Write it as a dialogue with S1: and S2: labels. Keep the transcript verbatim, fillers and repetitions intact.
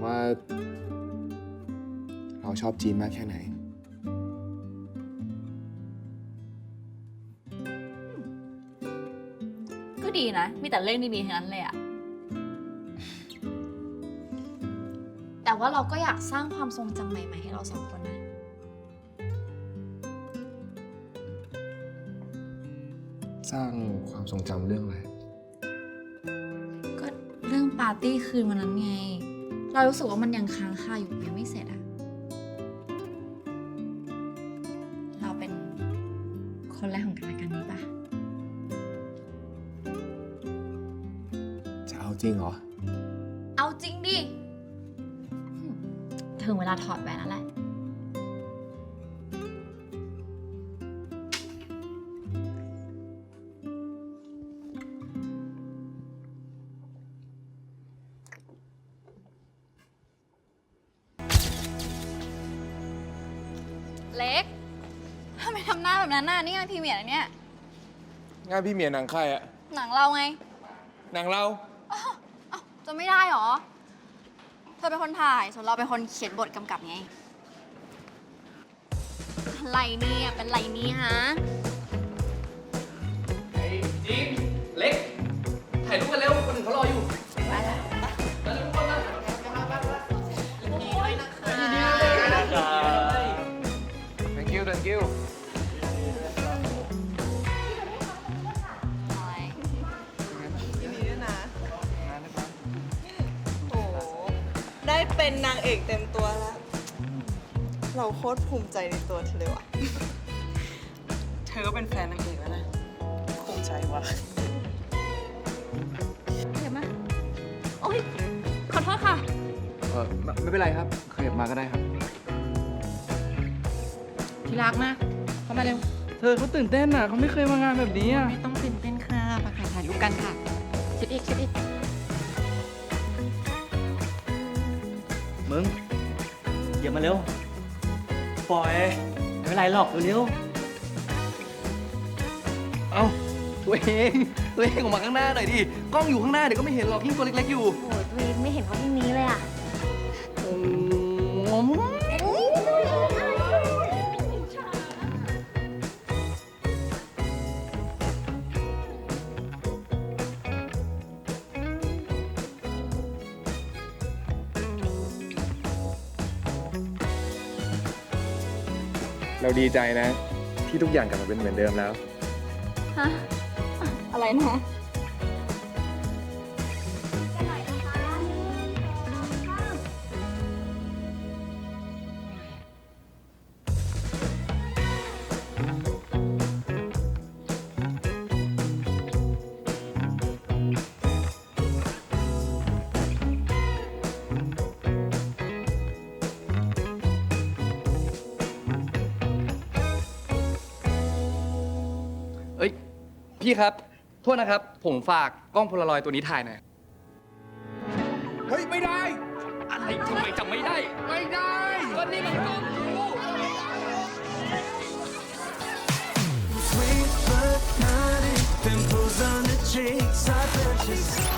S1: ว่าเราชอบจีนมากแค่ไหน
S2: ก็ดีนะ มีแต่เรื่องดีๆทั้งนั้นเลยอะแต่ว่าเราก็อยากสร้างความทรงจำใหม่ๆให้เราสองคนนะ
S1: สร้างความทรงจำเรื่องอะไร
S2: ก็เรื่องปาร์ตี้คืนวันนั้นไง เรารู้สึกว่ามันยังค้างคาอยู่ยังไม่เสร็จอะเราเป็นคนแรกของกันและกันนี้ปะ
S1: จะเอาจริงเหรอ
S2: เอาจริงดิถึงเวลาถอดแหวนแล้วแหละเล็กทำไมทำหน้าแบบนั้นน่ะนี่งานพรีเมียร์นะเนี่ย
S1: งานพี่เมียหนังใครอะ
S2: หนังเราไง
S1: หนังเรา
S2: อ้าวอ้าวจะไม่ได้หรอ เธอเป็นคนถ่าย ส่วนเราเป็นคนเขียนบทกำกับไง อะไรเนี่ยเป็นไรนี่ฮะ
S3: ไอ้จิมเล็ก ถ่ายรูปกันเร็ว คนอื่นเขารออยู่
S2: ไปแล้ว
S3: ไปเร็วทุกคนมา
S1: thank you thank you
S4: ยินดีด้วยนะ โอ้โหได้เป็นนางเอกเต็มตัวแล้ว เราโคตรภูมิใจในตัวเธอเลยว่ะ เธอก็เป็นแฟนนางเอกแล้วนะ ภูมิใจว่ะ
S2: เดี๋ยวมา โอ๊ย ขอโทษค่ะ
S1: เออไม่ไม่เป็นไรครับขยับมาก็ได้ครับ
S5: ที่รักนะเข้ามาเร็ว เธอเขาตื่นเต้นอ่ะเขาไม่เคยมางานแบบนี้อ่ะ
S6: ไม่ต้องตื่นเต้นค่ะมาค่ะถ่ายรูปกันค่ะชิดอีกชิดอีก
S7: มึงอย่ามาเร็ว ปล่อย ไม่เป็นไรหรอกเร็วๆเอ้า ตัวเอง ตัวเองออกมาข้างหน้าหน่อยดิ กล้องอยู่ข้างหน้าเดี๋ยวก็ไม่เห็นหรอกยิ่งตัวเล็กๆอยู่
S6: โอ้ยวีไม่เห็นเขาที่นี้เลยอ่ะ
S7: โอ้โห
S1: เราดีใจนะ ที่ทุกอย่างกลับมาเป็นเหมือนเดิมแล้ว
S2: ฮะ อะไรนะ
S3: เอ้ย พี่ครับ โทษนะครับ ผมฝากกล้องโพลารอยด์ตัวนี้ถ่ายหน่อย
S1: เฮ้ย ไม่ได้
S3: อะไรทำไมจำไม่ได้
S1: ไม่ได้
S3: ก็นี่มันกล้องกู
S8: Sweet but naughty, pimples on the cheeks, I purchase.